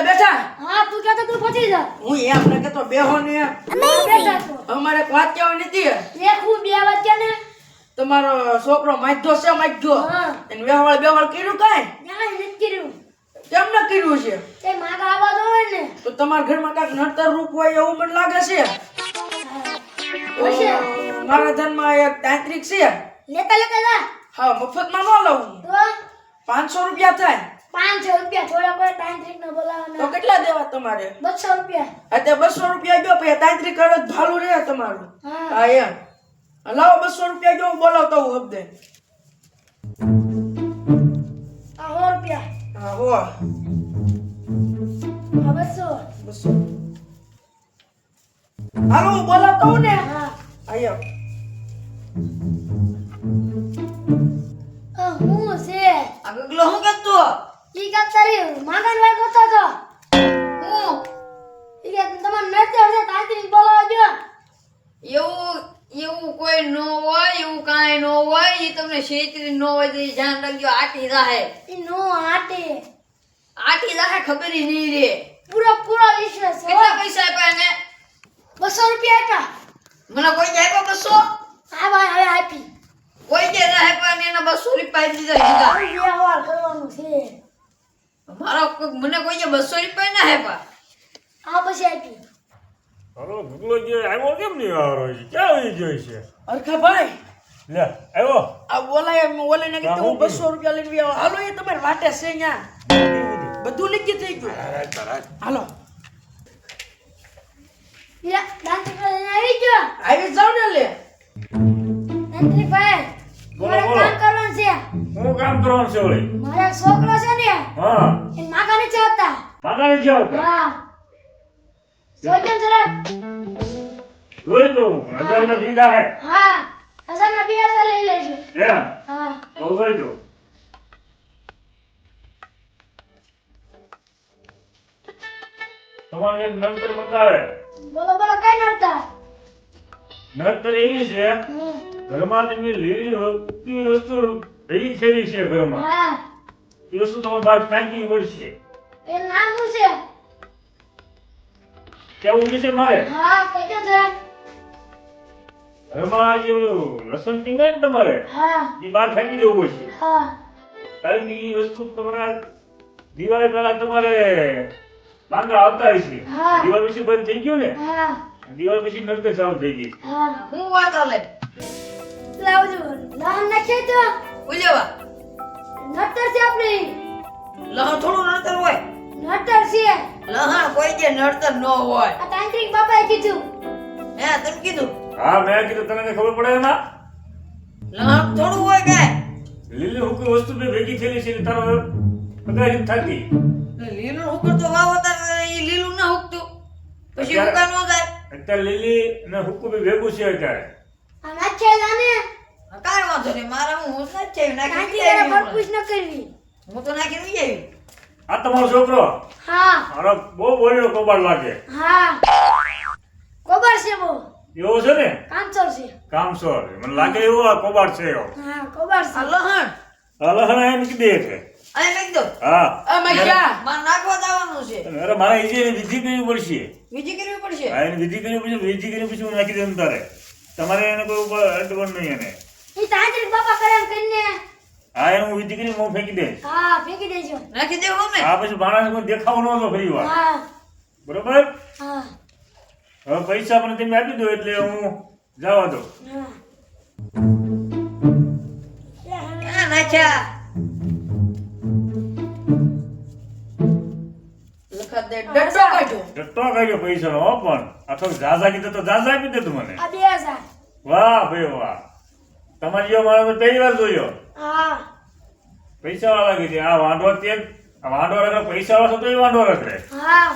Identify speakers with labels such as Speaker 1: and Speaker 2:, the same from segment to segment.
Speaker 1: બેઠા
Speaker 2: હા તું કહેતો તું પછી જા
Speaker 1: હું એમ ન કહેતો બેહો ને
Speaker 2: બેઠા તો
Speaker 1: અમારે એક વાત કહેવાની નથી
Speaker 2: એક હું બે વાગ્યા ને
Speaker 1: તમારો છોકરો માધ્યો છે માધ્યો
Speaker 2: હા
Speaker 1: એને વેવાળ બેવાળ કર્યું કાંઈ
Speaker 2: ના નથી કર્યું
Speaker 1: કેમ ન કર્યું છે
Speaker 2: તે માગા આવા દો ને
Speaker 1: તો તમારા ઘરમાં કાંઈક નડતર રૂપ હોય એવું મને લાગે છે
Speaker 2: હશે
Speaker 1: મારા ધનમાં એક તાંત્રિક છે
Speaker 2: લેતા લેતા જા
Speaker 1: હા મફતમાં ન લઉં
Speaker 2: તો
Speaker 1: 500 રૂપિયા થાય
Speaker 2: 500 રૂપિયા થોડા કોઈ તાંત્રિક ને
Speaker 1: તો
Speaker 2: બોલાવવાના
Speaker 1: કેટલા દેવા તમારે
Speaker 2: 200 રૂપિયા
Speaker 1: અત્યારે 200 રૂપિયા ગયો પછી તાંત્રિક કરે તો ભાલું રહે તમારું
Speaker 2: હા
Speaker 1: હા એમ લાવો 200 રૂપિયા ગયો હું બોલાવતો હું હબદે
Speaker 2: આ 100 રૂપિયા
Speaker 1: હા હો
Speaker 2: આ 200
Speaker 1: 200 હાલો હું બોલાવતો હું ને
Speaker 2: હા
Speaker 1: આયો
Speaker 2: આ હું છે
Speaker 1: આ ગગલો હું કરતો
Speaker 2: ઈ કાક તારી માગન વાર કરતો તો હું ઈ કે તમાર નડતે હશે તાંત્રિક બોલાવા જો
Speaker 3: એવું કોઈ ન હોય એવું કાંઈ ન હોય એ તમને છેતરી ન હોય તો ઈ ધ્યાન રાખજો આટી રાહે
Speaker 2: ઈ નો આટે
Speaker 3: ખબર ય નહીં રે
Speaker 2: પૂરો વિશ્વાસ છે
Speaker 3: કેટલા પૈસા આપ્યા એને
Speaker 2: 200 રૂપિયા હતા
Speaker 3: મને કોઈ આપ્યા 200
Speaker 2: આ ભાઈ હવે આપી
Speaker 3: કોઈ જે ના આપ્યા ને એના 200 રૂપિયા આપી દીધા
Speaker 2: હવે વ્યવહાર કરવાનું છે
Speaker 3: મને કોઈ 200 રૂપિયા ના આપ્યા
Speaker 2: આ પછી આપી
Speaker 4: હલો ગુગલો જે આવ્યો કેમ નહીં આવ્યો છે ક્યાં વહી ગયો છે
Speaker 1: અરખા ભાઈ
Speaker 4: લે આવ્યો
Speaker 1: આ બોલાય ઓલે ને કીધું હું 200 રૂપિયા લઈને આવો હાલો એ તમારે વાટે છે અહીંયા બધું નક્કી થઈ ગયું હાલો
Speaker 2: ઈરા તાંત્રિક લઈને આવી ગયો
Speaker 1: આવી જાવ ને લે
Speaker 2: તાંત્રિક ભાઈ
Speaker 4: બોલો,
Speaker 2: મારે
Speaker 4: બોલો.
Speaker 2: કામ કરવાનું છે
Speaker 4: હું કામ કરવાનું છે વળી
Speaker 2: મારા છોકરો છે ને
Speaker 4: હા
Speaker 2: એ માગાને ચાહતા
Speaker 4: માતાને જાવ
Speaker 2: હા સોચન જરા
Speaker 4: જોઈ લો હજાર દીધા હે
Speaker 2: હા હજારના 2000 લઈ લેજો
Speaker 4: એમ
Speaker 2: હા
Speaker 4: તો જોઈ લો તમારે એક નંતર બતાવે
Speaker 2: બોલો બોલો કઈ નડતા
Speaker 4: નંતર એવી છે ઘરમાં તમે લીલી વસ્તુ એવી થયેલી છે ઘરમાં
Speaker 2: હા
Speaker 4: એ વસ્તુ તમારે બહાર ફેંકવી પડશે
Speaker 2: એ નામ શું છે
Speaker 4: કેવું છે મારે
Speaker 2: હા કઈ જરા
Speaker 4: ઘરમાં જે લસણ ટીંગાય ને તમારે
Speaker 2: હા
Speaker 4: એ બહાર ફેંકી દેવું પડશે
Speaker 2: હા
Speaker 4: કારણ કે એ વસ્તુ તમારા દિવાળી પહેલા તમારે માંગા આવતા હશે
Speaker 2: હા.
Speaker 4: દિવાળી પછી બંધ થઈ ગયું ને
Speaker 2: હા
Speaker 4: દિવાળી પછી નરતે ચાલુ થઈ ગઈ
Speaker 2: હા
Speaker 3: હું વાત હાલે
Speaker 2: લાવજો લાન નાખે તો
Speaker 3: ઉલેવા
Speaker 2: નટર છે આપણી
Speaker 3: લહ થોડું નડતર હોય
Speaker 2: નટર છે
Speaker 3: લહણ કોઈ જે નડતર ન હોય
Speaker 2: આ તાંત્રિક બાપાએ કીધું
Speaker 3: હે તમે કીધું
Speaker 4: હા મેં કીધું તને કઈ ખબર પડે એમાં
Speaker 3: લહણ થોડું હોય કાંઈ
Speaker 4: લીલી હુકી વસ્તુ બે ભેગી થયેલી છે એટલે તારો અગારી થતી
Speaker 3: લીલું હુકર તો વાવો તાર ઈ લીલું ના હુકતું પછી હુકા ન જાય
Speaker 4: અત્યારે લીલી ને હુકું બે ભેગું છે અત્યારે
Speaker 2: આ નાખે જાને
Speaker 3: કાંઈ વાંધો નહીં મારા હું નથી છે
Speaker 2: તાંત્રિક
Speaker 3: નાખી
Speaker 2: પર પૂછ ન કરવી
Speaker 3: હું તો નાખી નહીં આવી
Speaker 4: આ તમારો છોકરો
Speaker 2: હા
Speaker 4: મારો બહુ બોલ્યો કબાડ લાગે
Speaker 2: હા કોબર છે બહુ
Speaker 4: એવો છે ને
Speaker 2: કામચોર છે
Speaker 4: કામસોર મને લાગે એવો આ કબાડ છે એવો
Speaker 2: હા કોબર
Speaker 3: આ
Speaker 2: છે
Speaker 3: લહણ
Speaker 4: અલહણ એમ કીધે છે
Speaker 3: અહીં નાખી દો
Speaker 4: હા
Speaker 1: અમે ક્યાં
Speaker 3: મારે નાખવા જવાનું છે
Speaker 4: અરે મારા ઈજે વિધિ કરવી પડશે
Speaker 3: બીજી કરવી પડશે
Speaker 4: હા એની વિધિ કરવી પડશે વિધિ કરી પછી હું નાખી દઉં તારે તમારે એને કોઈ ઉપર અડવણ નહીં એને
Speaker 2: ઈ તાંત્રિક બાપા કરે એમ કરીને
Speaker 4: હા એનું વિધિ કરી હું ફેંકી દઈશ
Speaker 2: હા ફેંકી દેજો
Speaker 3: નાખી દેવું અમે
Speaker 4: આ પછી માણસ કોઈ દેખાવો ન હતો ફરી વાર
Speaker 2: હા
Speaker 4: બરોબર
Speaker 2: હા
Speaker 4: હવે પૈસા મને તમે આપી દો એટલે હું જવા દો
Speaker 2: હા
Speaker 3: ક્યાં નાખ્યા લખા દે ડડો કાઢ્યો
Speaker 4: જતો કાઢ્યો પૈસા નો પણ આ તો ઝાઝા કીધું તો ઝાઝા આપી દે તું મને
Speaker 2: આ 2000
Speaker 4: વાહ ભાઈ વાહ તમારી જેવો મારો તો પહેલી વાર જોયો
Speaker 2: હા
Speaker 4: પૈસા વાળા લાગે છે આ વાંઢો તે આ વાંઢો રખડે પૈસા વાળો તો એ વાંઢો રખડે
Speaker 2: હા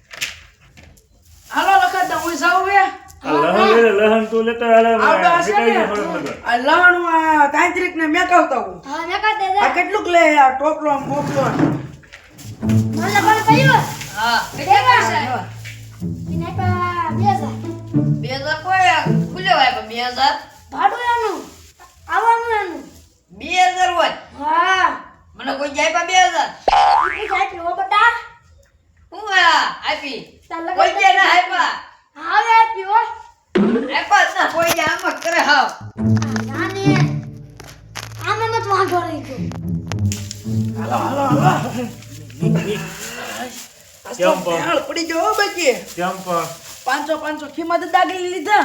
Speaker 1: હાલો લખા હું જાઉં બે
Speaker 4: લહન તું લેતો હાલે
Speaker 1: આવડો હશે ને
Speaker 4: મીઠાઈ ફરક
Speaker 1: આ લહણ આ તાંત્રિક ને મેકાવતા હું
Speaker 2: હા મેકા દે
Speaker 1: આ કેટલુંક લે આ ટોપલો મોકલો
Speaker 2: મને કોણ કહ્યું
Speaker 3: હા
Speaker 2: દેવા
Speaker 3: કેટલા
Speaker 2: ઇને પા 2000
Speaker 3: 2000 કોઈ ખુલ્યો હોય પણ 2000
Speaker 2: ભાડું એનું આવવાનું એનું
Speaker 3: 2000 હોય
Speaker 2: હા
Speaker 3: મને કોઈ જાય પણ 2000
Speaker 2: ઈ જાય ઓ બટા
Speaker 3: હું આપી
Speaker 2: તાર લગન
Speaker 3: કોઈ દે ના આપ્યા
Speaker 2: હવે આપ્યો હો.
Speaker 3: આપ્યા જ ના કોઈ દે આમ જ કરે હાવ
Speaker 2: નાને આમાં મત વાંધો રહી ગયો.
Speaker 1: હાલો હાલો હાલો
Speaker 4: કેમ પણ?
Speaker 1: ભેળ પડી ગયો હો બાકી
Speaker 4: કેમ પણ
Speaker 1: 500 કિંમત દાગી લીધા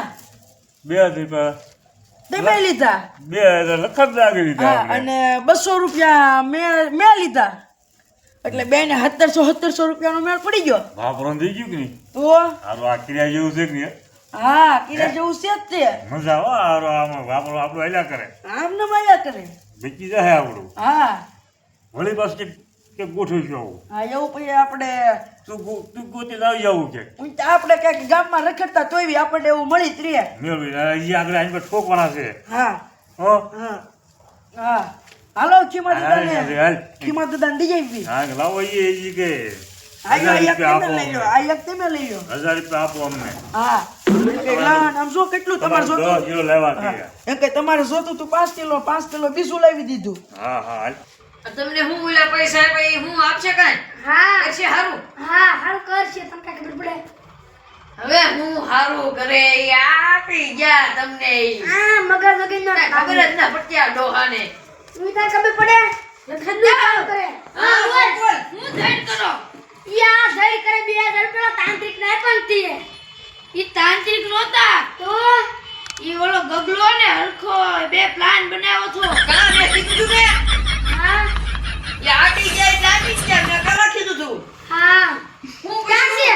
Speaker 4: 2
Speaker 1: તમે લીધા
Speaker 4: 2000 લખત લાગી દીધા
Speaker 1: હા
Speaker 4: આપણે.
Speaker 1: અને 200 રૂપિયા મેં લીધા એટલે બેને 1700 રૂપિયાનો મેળ પડી ગયો
Speaker 4: વાપરવાનું થઈ ગયું કે નહીં?
Speaker 1: તો
Speaker 4: હારું આ ક્રિયા જેવું છે કે નહીં?
Speaker 1: હા કિરે જેવું છે જ તે
Speaker 4: મજા આવે હારું આમાં વાપરો આપણું હાલ્યા કરે
Speaker 1: આમ ને માયા કરે
Speaker 4: બેચી જાય આપણું
Speaker 1: હા
Speaker 4: વળી પાછું કે ગોઠવીશું આવું
Speaker 1: હા એવું પછી આપણે
Speaker 4: તું ગોતી લાવી જવું કે
Speaker 1: આપણે કઈક ગામમાં રખડતા તોય બી આપણને એવું મળી જ રહે
Speaker 4: મેળવી અહીંયા આગળ આઈને પર ઠોકવાના છે
Speaker 1: હા
Speaker 4: હો
Speaker 1: હા હા હાલો ખીમા
Speaker 4: હાલ,
Speaker 1: દાદાને
Speaker 4: હાલ.
Speaker 1: ખીમા દાદાને દઈ આવી
Speaker 4: હા લાવો એ કે
Speaker 1: આ
Speaker 4: 1000
Speaker 1: એક
Speaker 4: રૂપિયા
Speaker 1: તમે
Speaker 4: આપો
Speaker 1: લઈ લો
Speaker 4: અમને.
Speaker 1: આ એક તમે લઈ લો
Speaker 4: 1000 રૂપિયા આપો અમને
Speaker 1: હા લાન આમ જો કેટલું તમારે
Speaker 4: તમારે 10
Speaker 1: જોતું
Speaker 4: કિલો લેવા કે
Speaker 1: એમ કે તમારે જોતું તું 5 કિલો બીજું લાવી દીધું
Speaker 4: હા હા હાલ.
Speaker 3: તમને હું ઓલા પૈસા આપ્યા ઈ હું આપશે કાંઈ
Speaker 2: હા
Speaker 3: કરશે હારું
Speaker 2: હા હાલ કરશે તમને કાંઈ ખબર પડે.
Speaker 3: હવે હું હારું કરે ઈ આપી ગયા તમને ઈ.
Speaker 2: આ મગજ વગરનો
Speaker 3: કાંઈ ખબર જ ના પડતી આ ડોહાને
Speaker 2: તું તાર ખબર પડે લખનનું કામ કરે
Speaker 3: હા
Speaker 2: બોલ.
Speaker 3: બોલ હું ધડ કરો
Speaker 2: યા ધઈ કરે 2000 પેલા તાંત્રિક ને પણ તીએ
Speaker 3: ઈ તાંત્રિક નહોતા
Speaker 2: તો
Speaker 3: ઈ ઓલો ગગલો ને હરખો બે પ્લાન બનાવ્યો હતો કાં મેં કીધું ને
Speaker 2: હા
Speaker 3: એ આટી ગયા એટલે આટી જ ગયા મેં કાં કીધું તું
Speaker 2: હા
Speaker 3: હું
Speaker 2: ક્યાં છે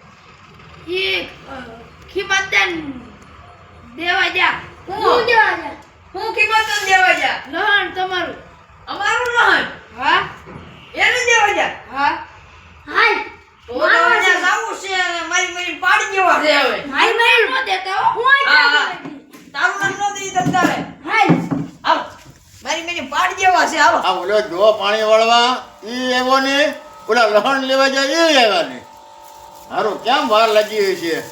Speaker 3: ઈ ખીમતન દેવા જા
Speaker 2: હું
Speaker 3: હું
Speaker 2: દેવા જા
Speaker 3: હું ખીમતન દેવા જા લહણ તમારું અમારું લહણ હા એને દેવા જા હા
Speaker 2: હાલ
Speaker 3: તો અહીંયા જાવું છે અને મારી પાડી દેવા છે હવે
Speaker 2: મારી મારી નો દેતા હો હું
Speaker 3: હા,
Speaker 2: આ
Speaker 3: હા. તારું નામ ન દઈ દત્તારે
Speaker 2: હાલ
Speaker 3: આવ મારી પાડી દેવા છે આવો
Speaker 5: આ ઓલો જો પાણી વાળવા ઈ આવ્યો ને ઓલા લહણ લેવા જાય એ આવ્યા ને હારું કેમ વાર લાગી હોય છે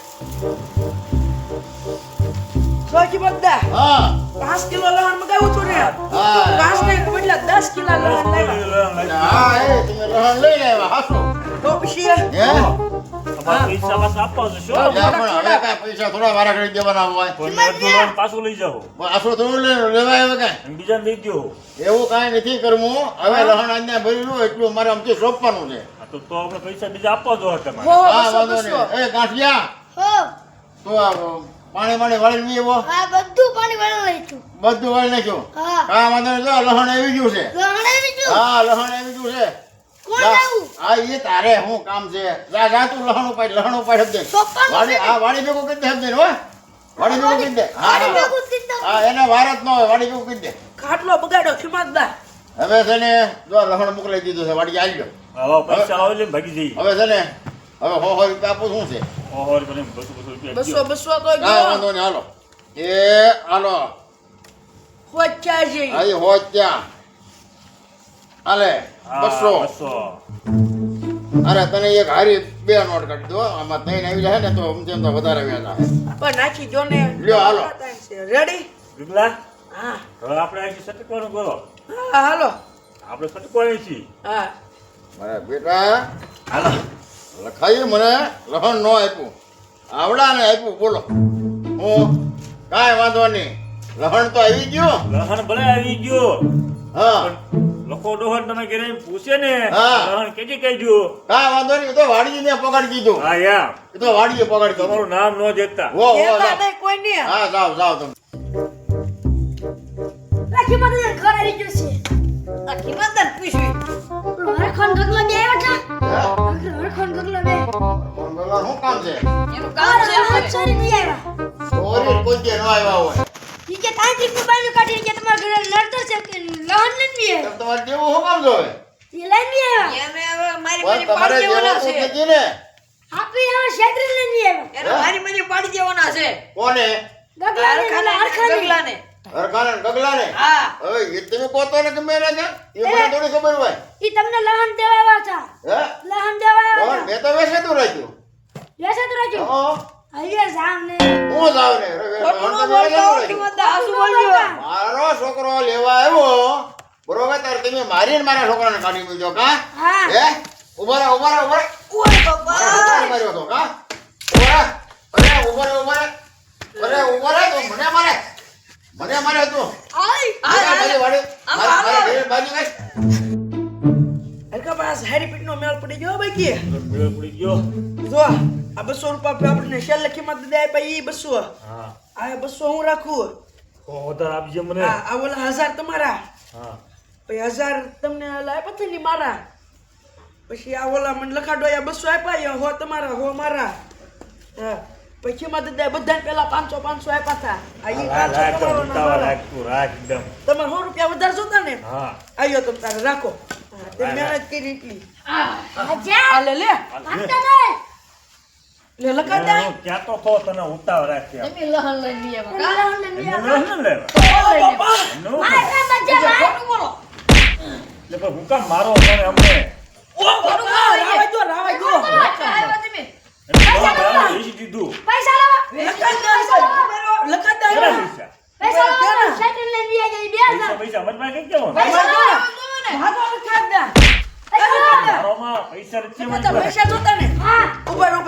Speaker 1: સોજી બધા
Speaker 5: હા
Speaker 1: 5 કિલો લહણ મગાવ્યું હતું ને
Speaker 5: હા
Speaker 1: 5 ને બદલા 10 કિલો લહણ લાવ્યા
Speaker 5: હા એ તમે લહણ લઈને આવ્યા હાસો
Speaker 1: તો પછી
Speaker 5: હે
Speaker 4: તમારે પૈસા પાછા આપવા છે શું?
Speaker 5: એટલે પણ હવે કાંઈ પૈસા થોડા વારા કરી દેવાના હોય
Speaker 4: કોઈને અડધું લઈને પાછું લઈ જાઓ
Speaker 5: આશરો થોડું લેવા આવે કાંઈ
Speaker 4: અને બીજાને દઈ દ્યો.
Speaker 5: એવું કાંઈ નથી કરવું હવે લહણ આજના ભરેલું એટલું મારે આમથી સોંપવાનું છે
Speaker 4: હા તો આપણે પૈસા બીજા આપવા જોઈએ તમારે
Speaker 1: હો
Speaker 5: હા
Speaker 1: બસો
Speaker 5: વાંધો
Speaker 1: બસો
Speaker 5: નહીં એ ગાંઠિયા
Speaker 2: હો
Speaker 5: તો આ પાણી વાળી એવો
Speaker 2: હા બધું પાણી વાળો લઈ છું
Speaker 5: બધું વાળી નાખ્યું
Speaker 2: હા
Speaker 5: હા વાંધો નહીં જો લહણ આવી ગયું છે
Speaker 2: લહણે બીજું
Speaker 5: હા લહણ આવી ગયું છે
Speaker 2: કોણ
Speaker 5: જા.
Speaker 2: આવું
Speaker 5: હા એ તારે શું કામ છે જા જા તું લહણ ઉપાડ દે
Speaker 2: સોપાનું
Speaker 5: વાડી હા વાડી ભેગું કરી દે સમજે હો વાડી ભેગું કરી દે હા
Speaker 2: પાણી
Speaker 5: હા.
Speaker 2: ભેગું કરી દઉં.
Speaker 5: હા એને વાર જ ન હોય વાડી ભેગું કરી દે
Speaker 1: ખાટલો બગાડો ખીમાતદા
Speaker 5: હવે છે ને જો લહણ મોકલાઈ દીધું છે વાડી આવી ગયો
Speaker 4: હવે પૈસા આવે એટલે ભાગી જઈએ
Speaker 5: હવે છે ને હવે હો રૂપિયા આપું શું છે
Speaker 4: ઓહો કરીને 200 રૂપિયા
Speaker 1: 200
Speaker 4: દ્યો.
Speaker 1: 200 તો
Speaker 5: હા
Speaker 1: ગયો
Speaker 5: વાંધો નહીં હાલો એ હાલો
Speaker 1: હોચ્યા જઈ
Speaker 5: અહીં હોત ત્યાં હાલે
Speaker 4: હા,
Speaker 5: 200 અરે તને એક હારી 2 નોટ કાઢી દો આમાં ત્રણ આવી જાય ને તો સમજેમ તો વધારે વ્યાજ આવે
Speaker 1: પણ નાખી જો ને
Speaker 5: લ્યો, હાલો.
Speaker 1: રેડી
Speaker 4: વિમલા,
Speaker 1: હા
Speaker 4: હવે આપણે અહીંથી સટકવાનું કરો
Speaker 1: હા હાલો
Speaker 4: આપણે સટકવાની છીએ
Speaker 1: હા
Speaker 5: મારા બેટા
Speaker 4: હાલો
Speaker 5: લખાઈ મને લહણ નો આપ્યું આવડાને આપ્યું બોલો હું કાંઈ વાંધો નહીં લહણ તો આવી ગયું
Speaker 4: લહણ ભલે આવી ગયો
Speaker 5: હા
Speaker 4: પણ લખો ડોહર તમે ઘરે આવીને પૂછે ને
Speaker 5: હા.
Speaker 4: લહણ કેજી કહેજો
Speaker 5: કાંઈ વાંધો નહીં એ તો વાડીએ મેં પગાડી દીધું
Speaker 4: હા યા
Speaker 5: એ તો વાડીએ પગાડી દીધું
Speaker 4: તમારું નામ ન દેતા
Speaker 5: વો વો
Speaker 1: કહેતા
Speaker 5: જાઓ.
Speaker 1: નહીં કોઈ નહીં
Speaker 5: હા જાઓ જાઓ તમે
Speaker 2: રાખી માટે ઘર આવી ગયું છે
Speaker 3: આ કિંમતન પૂછવી
Speaker 2: પેલો હરખોન ગગલો બે આવ્યો છે
Speaker 5: હે?
Speaker 2: હરખોન ગગલો બે
Speaker 5: બોલો, શું કામ છે
Speaker 3: એનું કામ છે
Speaker 2: હાથ ચોરી નહીં આવ્યા
Speaker 5: ચોરી કોઈ કે ન આવ્યા હોય
Speaker 2: ઈ કે તાંત્રિક નું બાયનું કાઢીને કે તમારા ઘરે લડતો છે કે લહન નથી
Speaker 5: એમ તમારે જેવું શું કામ જોવે
Speaker 2: એ લઈને આવ્યા
Speaker 3: એને હવે મારી
Speaker 5: પણ તમારે
Speaker 3: પાડી
Speaker 5: જેવું
Speaker 3: દેવાના
Speaker 5: તો
Speaker 3: છે
Speaker 5: નથી ને
Speaker 2: આપી હવે ક્ષેત્ર લઈને આવ્યા
Speaker 3: એને મારી પાડી દેવાના છે
Speaker 5: કોને
Speaker 2: ગગલાને હરખાને
Speaker 3: ગગલાને
Speaker 5: હરખાને ને ગગલાને
Speaker 3: હા
Speaker 5: હવે એ તમે કહો ને ગમે એને કે એ મને થોડી ખબર હોય
Speaker 2: ઈ તમને લહન દેવા આવ્યા હતા
Speaker 5: હે
Speaker 2: લહન દેવા આવ્યા
Speaker 5: લહણ મેં તો વેચેતું રાખ્યું
Speaker 2: હતા લેસે તો રાજો
Speaker 5: હા
Speaker 2: અહીંયા સામને
Speaker 5: હું જાવ ને
Speaker 3: ખોટું ન
Speaker 5: લહણ તો
Speaker 3: બોલતો
Speaker 5: વેચેતું રાખ્યું.
Speaker 3: કિંમત હાસુ બોલજો
Speaker 5: મારો છોકરો લેવા આવ્યો બરોબર તાર તમે મારીને મારા છોકરાને કાઢી મૂક્યો કા
Speaker 2: હા
Speaker 5: હે ઉભા રહો ઉભા રહો ઉભા રહો.
Speaker 3: ઓય બાપા
Speaker 5: માર્યો હતો કા ઉભો રે તો મને મારે તું બાજુ કઈ
Speaker 1: હલકા પાસ હેરી પીટ નો મેળ પડી ગયો ભાઈ કે
Speaker 4: મેળ પડી ગયો.
Speaker 1: જો આ 200 રૂપિયા આપણે શેર લખી માં દે ભાઈ 200
Speaker 4: હા
Speaker 1: આ 200 હું રાખું
Speaker 4: તો વધારે આપજે મને.
Speaker 1: આ ઓલા 1000 તમારા
Speaker 4: હા
Speaker 1: પછી 1000 તમને લાય પછી ની મારા પછી આ ઓલા મને લખાડો આ 200 આપ્યા હો તમારા હો મારા હા પછી માં દે બધાને પેલા 500 આપ્યા હતા આ ઈ 500 તમારો ના મારા
Speaker 4: રાખ એકદમ.
Speaker 1: તમારે 100 રૂપિયા વધારે જોતા ને
Speaker 4: હા
Speaker 1: આયો તમે તારે રાખો તે મહેનત કરી એટલી
Speaker 2: અજા
Speaker 1: આ લે લે
Speaker 2: ભાગતા નહીં
Speaker 1: લે લખા દે
Speaker 4: હું કહેતો તો તને ઉતાવ રાખ્યા.
Speaker 3: તમે લહણ લઈને લઈ આવ્યા કા?
Speaker 2: લહણ લઈને
Speaker 4: એમને
Speaker 2: આવ્યા.
Speaker 4: ન લેવા. એમને ન
Speaker 2: મારે
Speaker 4: લેવા.
Speaker 2: મજા ભાઈ
Speaker 3: ખોટું બોલો.
Speaker 4: એટલે પણ હું કામ મારો મને અમને
Speaker 1: ઓ બાપા રાવા જો
Speaker 3: પાછા આવ્યા તમે.
Speaker 4: લઈ દીધું.
Speaker 2: પૈસા લાવો
Speaker 1: લખા દે
Speaker 4: કેટલા પૈસા?
Speaker 2: પૈસા લાવો સાયકલ લઈને આવી જાય 2000
Speaker 4: પૈસા મત માં કઈ કેવો
Speaker 2: પૈસા લાવો
Speaker 1: ભાગો લખા દે
Speaker 2: પૈસા લાવો
Speaker 4: મારોમાં પૈસા નથી
Speaker 1: તો પૈસા જોતા ને
Speaker 2: હા
Speaker 1: ઉપર